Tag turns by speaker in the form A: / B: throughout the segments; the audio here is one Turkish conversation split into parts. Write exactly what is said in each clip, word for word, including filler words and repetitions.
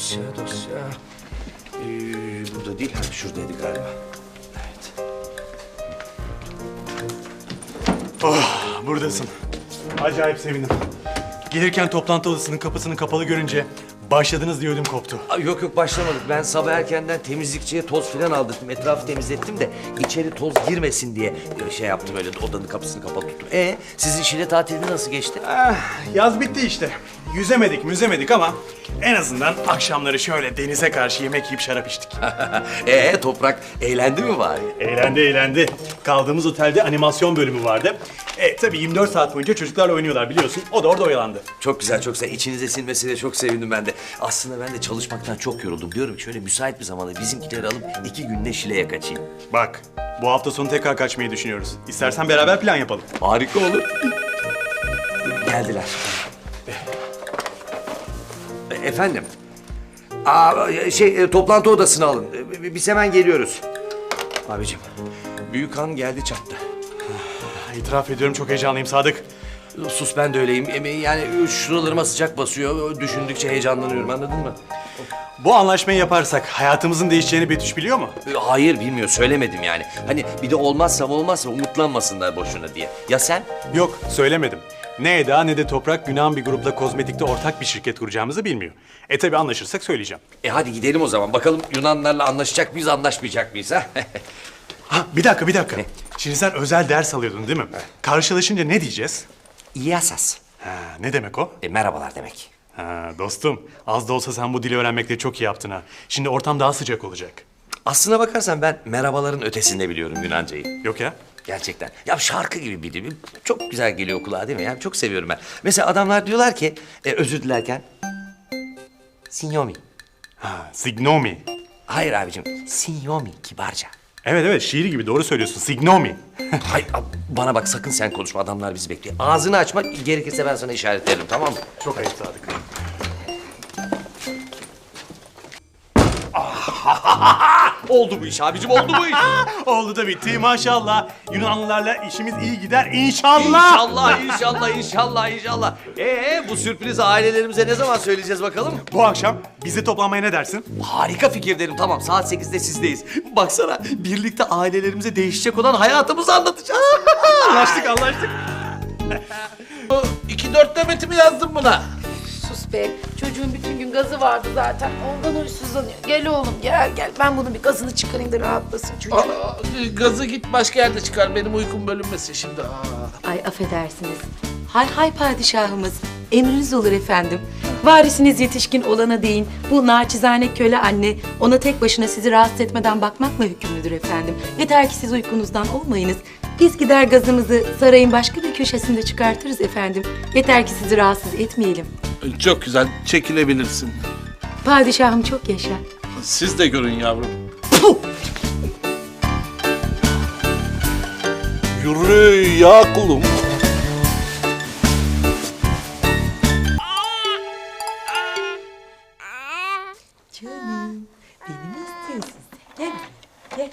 A: dosya, dosya. Ee, burada değil, ha, şuradaydı galiba. Evet.
B: Oh, buradasın. Acayip sevindim. Gelirken toplantı odasının kapısını kapalı görünce başladınız diye ödüm koptu.
A: Aa, yok yok başlamadık. Ben sabah erkenden temizlikçiye toz filan aldırdım. Etrafı temizlettim de içeri toz girmesin diye şey yaptım, öyle odanın kapısını kapalı tuttum. E sizin Şile tatili nasıl geçti?
B: Ah, yaz bitti işte. Yüzemedik, müzemedik ama en azından akşamları şöyle denize karşı yemek yiyip şarap içtik.
A: Ee Toprak eğlendi mi bari?
B: Eğlendi, eğlendi. Kaldığımız otelde animasyon bölümü vardı. E tabii yirmi dört saat boyunca çocuklarla oynuyorlar biliyorsun. O da orada oyalandı.
A: Çok güzel, çok güzel. İçinize sinmesine çok sevindim ben de. Aslında ben de çalışmaktan çok yoruldum. Diyorum ki şöyle müsait bir zamanda bizimkileri alıp iki günde Şile'ye kaçayım.
B: Bak, bu hafta sonu tekrar kaçmayı düşünüyoruz. İstersen beraber plan yapalım.
A: Harika olur. Geldiler. E, Efendim? Aa, şey, e, toplantı odasını alın. E, Biz hemen geliyoruz. Abicim, büyük han geldi çattı.
B: İtiraf ediyorum çok heyecanlıyım Sadık.
A: Sus, ben de öyleyim. E, Yani şuralarıma sıcak basıyor. Düşündükçe heyecanlanıyorum, anladın mı?
B: Bu anlaşmayı yaparsak hayatımızın değişeceğini Betüş biliyor mu?
A: E, Hayır, bilmiyor. Söylemedim yani. Hani bir de olmazsa olmazsa umutlanmasınlar boşuna diye. Ya sen?
B: Yok, söylemedim. Ne Eda ne de Toprak Yunan bir grupla kozmetikte ortak bir şirket kuracağımızı bilmiyor. E tabii anlaşırsak söyleyeceğim.
A: E hadi gidelim o zaman. Bakalım Yunanlarla anlaşacak mıyız, anlaşmayacak mıyız ha?
B: Ha bir dakika bir dakika.
A: Ne?
B: Şimdi sen özel ders alıyordun değil mi? Karşılaşınca ne diyeceğiz?
A: İyasas.
B: Ha, ne demek o?
A: E merhabalar demek.
B: Ha, dostum az da olsa sen bu dili öğrenmekte çok iyi yaptın ha. Şimdi ortam daha sıcak olacak.
A: Aslına bakarsan ben merhabaların ötesinde biliyorum Yunancayı.
B: Yok ya?
A: Gerçekten. Ya şarkı gibi bir dil. Çok güzel geliyor kulağa değil mi? Yani çok seviyorum ben. Mesela adamlar diyorlar ki e, özür dilerken Sinyomi.
B: Ha, signomi.
A: Hayır abicim, Sinyomi kibarca.
B: Evet evet şiir gibi doğru söylüyorsun. Signomi.
A: Hayır ab- bana bak, sakın sen konuşma, adamlar bizi bekliyor. Ağzını açma, gerekirse ben sana işaret veririm, tamam mı?
B: Çok ayıp Sadık.
A: Oldu bu iş abicim, oldu bu iş.
B: Oldu da bitti maşallah. Yunanlılarla işimiz iyi gider inşallah.
A: İnşallah, inşallah, inşallah, inşallah. Ee, bu sürprizi ailelerimize ne zaman söyleyeceğiz bakalım?
B: Bu akşam bizi toplanmaya ne dersin?
A: Harika fikir derim, tamam. Saat sekizde sizdeyiz. Baksana, birlikte ailelerimize değişecek olan hayatımızı anlatacağız.
B: Anlaştık anlaştık.
C: İki dört demeti mi yazdın buna?
D: Sus be. Çocuğun bütün gün gazı vardı zaten. Ondan huysuzlanıyor. Gel oğlum gel gel. Ben bunun bir gazını çıkarayım da rahatlasın çocuk.
C: Aa, gazı git başka yerde çıkar. Benim uykum bölünmesin şimdi. Aa.
E: Ay affedersiniz. Hay hay padişahımız. Emriniz olur efendim. Varisiniz yetişkin olana değin. Bu naçizane köle anne ona tek başına sizi rahatsız etmeden bakmakla hükümlüdür efendim. Yeter ki siz uykunuzdan olmayınız. Biz gider gazımızı sarayın başka bir köşesinde çıkartırız efendim. Yeter ki sizi rahatsız etmeyelim.
C: Çok güzel. Çekilebilirsin.
E: Padişahım çok yaşa.
C: Siz de görün yavrum. Yürü ya kulum.
E: Canım, beni mi istiyorsun sen? Gel, gel.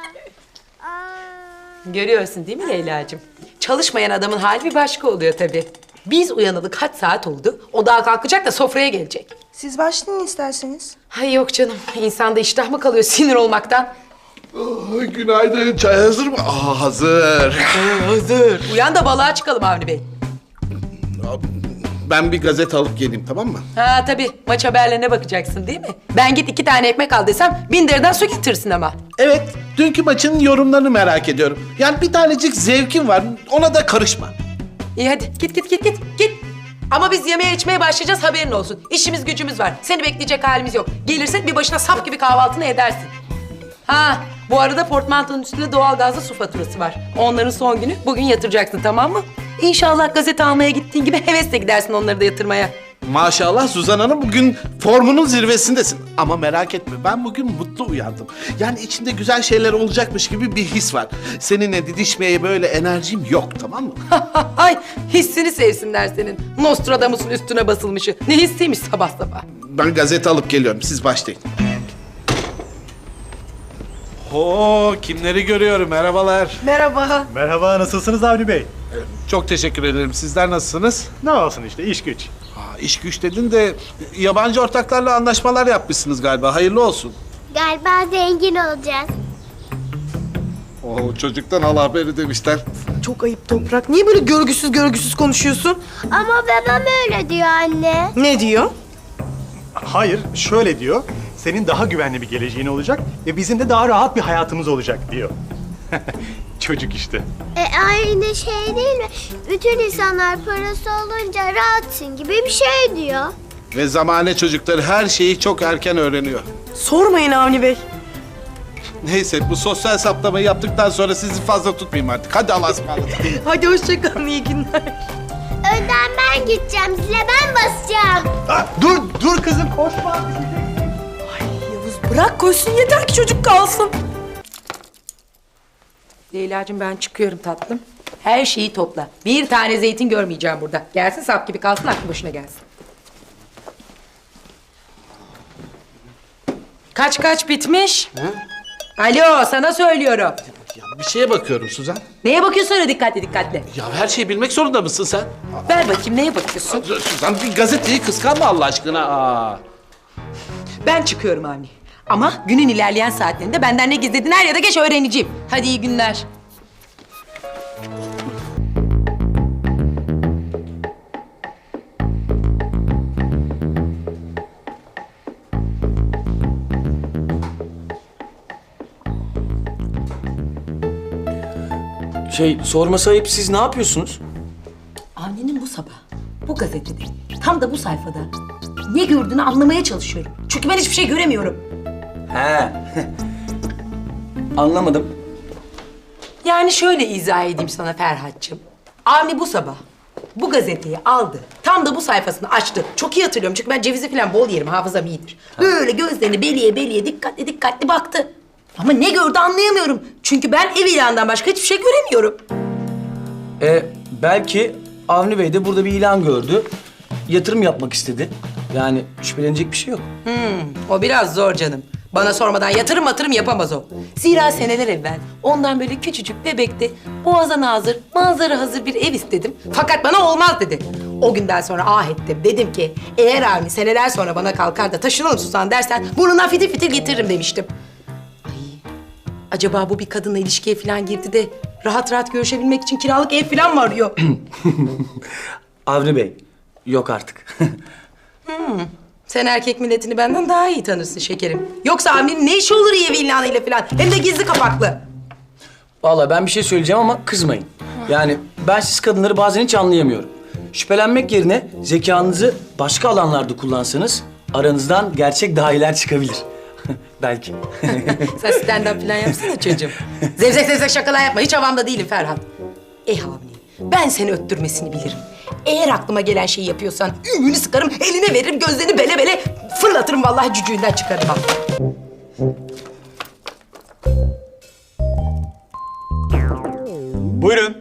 E: Görüyorsun değil mi Leyla'cığım? Çalışmayan adamın hali bir başka oluyor tabii. Biz uyanalı kaç saat oldu? O daha kalkacak da sofraya gelecek.
F: Siz başlayın isterseniz.
E: Hay yok canım, insanda iştah mı kalıyor sinir olmaktan?
C: Oh, günaydın. Çay hazır mı? Aa, hazır.
E: Hazır. Uyan da balığa çıkalım Avni Bey.
C: Ben bir gazete alıp geleyim, tamam mı?
E: Ha tabii, maç haberlerine bakacaksın değil mi? Ben git iki tane ekmek al desem bin deriden su getirsin ama.
C: Evet, dünkü maçın yorumlarını merak ediyorum. Yani bir tanecik zevkim var, ona da karışma.
E: İyi hadi git git git git git. Ama biz yemeğe içmeye başlayacağız, haberin olsun. İşimiz gücümüz var. Seni bekleyecek halimiz yok. Gelirsen bir başına sap gibi kahvaltını edersin. Ha bu arada portmantonun üstünde doğalgazlı su faturası var. Onların son günü, bugün yatıracaksın, tamam mı? İnşallah gazete almaya gittiğin gibi hevesle gidersin onları da yatırmaya.
C: Maşallah Suzan Hanım, bugün formunun zirvesindesin. Ama merak etme, ben bugün mutlu uyandım. Yani içimde güzel şeyler olacakmış gibi bir his var. Seninle didişmeye böyle enerjim yok, tamam mı?
E: Ay hissini sevsinler senin. Nostradamus'un üstüne basılmışı. Ne hissiymiş sabah sabah.
C: Ben gazete alıp geliyorum, siz başlayın. Oo, kimleri görüyorum? Merhabalar.
F: Merhaba.
B: Merhaba, nasılsınız Avni Bey?
C: Çok teşekkür ederim. Sizler nasılsınız?
B: Ne olsun işte, iş güç.
C: Aa, iş güç dedin de yabancı ortaklarla anlaşmalar yapmışsınız galiba. Hayırlı olsun.
G: Galiba zengin olacağız.
C: Oo, çocuktan al haberi demişler.
F: Çok ayıp Toprak. Niye böyle görgüsüz görgüsüz konuşuyorsun?
G: Ama babam öyle diyor anne.
F: Ne diyor?
B: Hayır, şöyle diyor. Senin daha güvenli bir geleceğin olacak ve bizim de daha rahat bir hayatımız olacak diyor. Çocuk işte.
G: E aynı şey değil mi? Bütün insanlar parası olunca rahatsın gibi bir şey diyor.
C: Ve zamane çocukları her şeyi çok erken öğreniyor.
F: Sormayın Avni Bey.
C: Neyse bu sosyal saptamayı yaptıktan sonra sizi fazla tutmayayım artık. Hadi Allah'a ısmarladık.
F: Hadi hoşça kalın, iyi günler.
G: Önden ben gideceğim, zile ben basacağım.
B: Aa, dur, dur kızım, koşma.
F: Yavuz bırak koşsun, yeter ki çocuk kalsın.
E: Leyla'cığım ben çıkıyorum tatlım. Her şeyi topla. Bir tane zeytin görmeyeceğim burada. Gelsin sap gibi kalsın, aklı başına gelsin. Kaç kaç bitmiş? Alo, sana söylüyorum.
C: Ya bir şeye bakıyorum Suzan.
E: Neye bakıyorsun öyle dikkatli dikkatli?
C: Ya her şeyi bilmek zorunda mısın sen?
E: Ver bakayım, neye bakıyorsun?
C: Suzan bir gazeteyi kıskanma Allah aşkına. Aa.
E: Ben çıkıyorum Avni. Ama günün ilerleyen saatlerinde benden ne gizlediğini er ya da geç öğreneceğim. Hadi iyi günler.
A: Şey, sorması ayıp, siz ne yapıyorsunuz?
E: Avni'nin bu sabah, bu gazetede, tam da bu sayfada ne gördüğünü anlamaya çalışıyorum. Çünkü ben hiçbir şey göremiyorum.
A: He. Anlamadım.
E: Yani şöyle izah edeyim sana Ferhat'cığım. Avni bu sabah bu gazeteyi aldı. Tam da bu sayfasını açtı. Çok iyi hatırlıyorum çünkü ben cevizi falan bol yerim, hafızam iyidir. Böyle gözlerini beliye beliye dikkatli dikkatli baktı. Ama ne gördü anlayamıyorum. Çünkü ben ev ilanından başka hiçbir şey göremiyorum.
H: E, belki Avni Bey de burada bir ilan gördü. Yatırım yapmak istedi. Yani şüphelenecek bir şey yok.
E: O biraz zor canım. Bana sormadan yatırım matırım yapamaz o. Zira seneler evvel ondan böyle küçücük bebekte boğaza nazır, manzara hazır bir ev istedim. Fakat bana olmaz dedi. O günden sonra ah ettim. Dedim ki eğer Avni seneler sonra bana kalkar da taşınalım Suzan dersen burnundan fitil fitil getiririm demiştim. Ay, acaba bu bir kadınla ilişkiye falan girdi de rahat rahat görüşebilmek için kiralık ev falan mı arıyor?
H: Avni Bey, yok artık.
E: Sen erkek milletini benden daha iyi tanırsın şekerim. Yoksa Avni'nin ne işi olur iyi ev ilanıyla falan? Hem de gizli kapaklı.
H: Vallahi ben bir şey söyleyeceğim ama kızmayın. Yani ben siz kadınları bazen hiç anlayamıyorum. Şüphelenmek yerine zekanızı başka alanlarda kullansanız aranızdan gerçek dahiler çıkabilir. Belki.
E: Sen stand-up falan yapsana çocuğum. Zevzek zevzek şakalar yapma. Hiç havamda değilim Ferhat. Eh Avni, ben seni öttürmesini bilirim. Eğer aklıma gelen şeyi yapıyorsan ümünü sıkarım, eline veririm, gözlerini bele bele fırlatırım vallahi cücüğünden çıkarım ha.
B: Buyurun.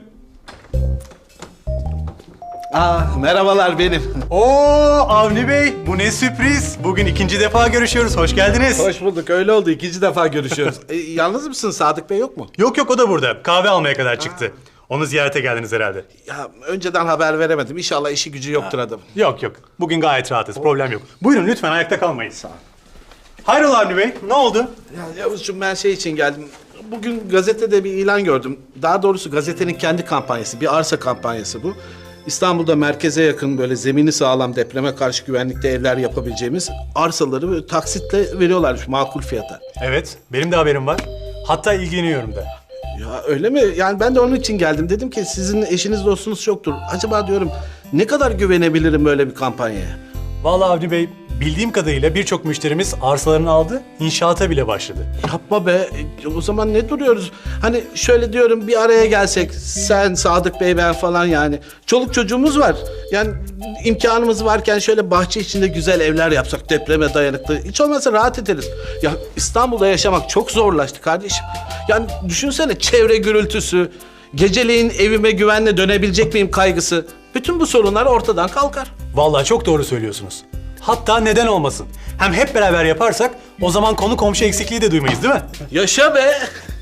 C: Aa, merhabalar benim.
B: Oo Avni Bey, bu ne sürpriz. Bugün ikinci defa görüşüyoruz, hoş geldiniz.
C: Hoş bulduk. Öyle oldu. İkinci defa görüşüyoruz. E, yalnız mısın? Sadık Bey yok mu?
B: Yok yok, o da burada. Kahve almaya kadar çıktı. Onu ziyarete geldiniz herhalde.
C: Ya önceden haber veremedim. İnşallah işi gücü yoktur adamın.
B: Yok yok, bugün gayet rahatız, problem yok. Buyurun lütfen, ayakta kalmayın. Sağ ol. Hayrola Avni Bey, ne oldu?
C: Ya Yavuzcuğum ben şey için geldim. Bugün gazetede bir ilan gördüm. Daha doğrusu gazetenin kendi kampanyası. Bir arsa kampanyası bu. İstanbul'da merkeze yakın böyle zemini sağlam depreme karşı güvenlikte evler yapabileceğimiz arsaları böyle taksitle veriyorlarmış makul fiyata.
B: Evet, benim de haberim var. Hatta ilgileniyorum da.
C: Ya öyle mi? Yani ben de onun için geldim. Dedim ki sizin eşiniz dostunuz çoktur. Acaba diyorum ne kadar güvenebilirim böyle bir kampanyaya?
B: Vallahi Avni Bey, bildiğim kadarıyla birçok müşterimiz arsalarını aldı, inşaata bile başladı.
C: Yapma be. E, O zaman ne duruyoruz? Hani şöyle diyorum bir araya gelsek. Sen, Sadık Bey, ben falan yani. Çoluk çocuğumuz var. Yani imkanımız varken şöyle bahçe içinde güzel evler yapsak depreme dayanıklı. Hiç olmazsa rahat ederiz. Ya İstanbul'da yaşamak çok zorlaştı kardeşim. Yani düşünsene çevre gürültüsü, geceleyin evime güvenle dönebilecek miyim kaygısı. Bütün bu sorunlar ortadan kalkar.
B: Vallahi çok doğru söylüyorsunuz. Hatta neden olmasın? Hem hep beraber yaparsak o zaman konu komşu eksikliği de duymayız değil mi?
C: Yaşa be.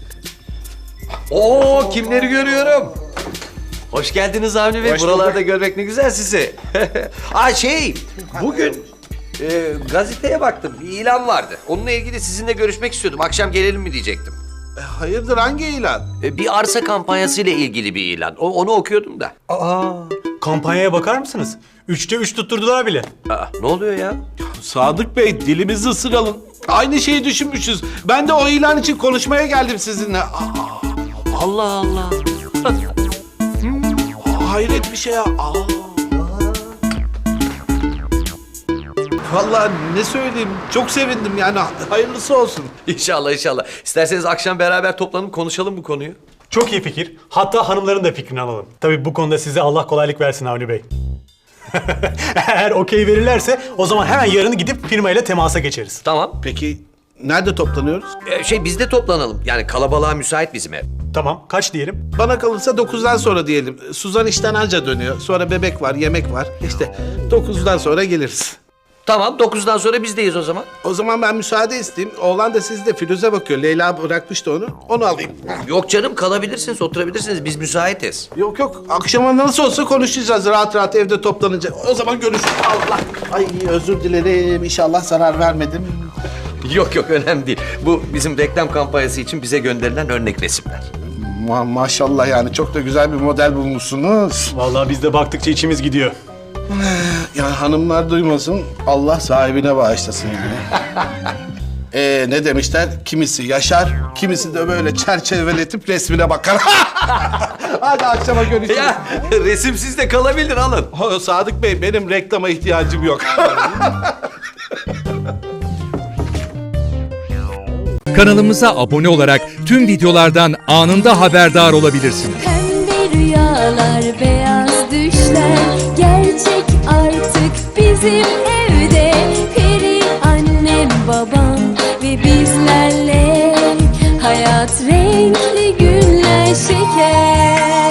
A: Oo, kimleri görüyorum? Hoş geldiniz Avni Bey.
B: Hoş
A: Buralarda
B: bulduk.
A: görmek ne güzel sizi. Aa şey, bugün e, gazeteye baktım. Bir ilan vardı. Onunla ilgili sizinle görüşmek istiyordum. Akşam gelelim mi diyecektim.
C: E, hayırdır, hangi ilan?
A: E, bir arsa kampanyası ile ilgili bir ilan. O, onu okuyordum da.
B: Aa, kampanyaya bakar mısınız? Üçte üç tutturdular bile.
A: Aa, ne oluyor ya?
C: Sadık Bey, dilimizi ısıralım. Aynı şeyi düşünmüşüz. Ben de o ilan için konuşmaya geldim sizinle. Aa,
A: Allah Allah.
C: hayret bir şey ya. Aa. Vallahi ne söyleyeyim, çok sevindim yani, hayırlısı olsun.
A: İnşallah inşallah. İsterseniz akşam beraber toplanıp konuşalım bu konuyu.
B: Çok iyi fikir. Hatta hanımların da fikrini alalım. Tabii bu konuda size Allah kolaylık versin Avni Bey. Eğer okey verirlerse o zaman hemen yarını gidip firmayla temasa geçeriz.
A: Tamam.
C: Peki nerede toplanıyoruz?
A: E, şey biz de toplanalım. Yani kalabalığa müsait bizim ev.
B: Tamam, kaç diyelim?
C: Bana kalırsa dokuzdan sonra diyelim. Suzan işten anca dönüyor. Sonra bebek var, yemek var. İşte dokuzdan sonra geliriz.
A: Tamam, dokuzdan sonra bizdeyiz o zaman.
C: O zaman ben müsaade isteyeyim. Oğlan da sizde, Firuze bakıyor. Leyla bırakmıştı onu. Onu alayım.
A: Yok canım, kalabilirsiniz, oturabilirsiniz. Biz müsaitiz.
C: Yok yok. Akşama nasıl olsa konuşacağız. Rahat rahat evde toplanınca. O zaman görüşürüz. Allah. Ay özür dilerim. İnşallah zarar vermedim.
A: Yok yok, önemli değil. Bu bizim reklam kampanyası için bize gönderilen örnek resimler.
C: Ma maşallah yani. Çok da güzel bir model bulmuşsunuz.
B: Vallahi biz de baktıkça içimiz gidiyor.
C: Ya hanımlar duymasın. Allah sahibine bağışlasın yani. Ee, ne demişler? Kimisi yaşar, kimisi de böyle çerçeveletip resmine bakar. Hadi akşama görüşürüz.
A: Ya resimsiz de kalabilir, alın.
C: Oh, Sadık Bey, benim reklama ihtiyacım yok.
I: Kanalımıza abone olarak tüm videolardan anında haberdar olabilirsiniz.
J: Pembe rüyalar, beyaz düşler gerçek artık bizim evde. Peri annem, babam ve bizlerle hayat renkli günler şeker.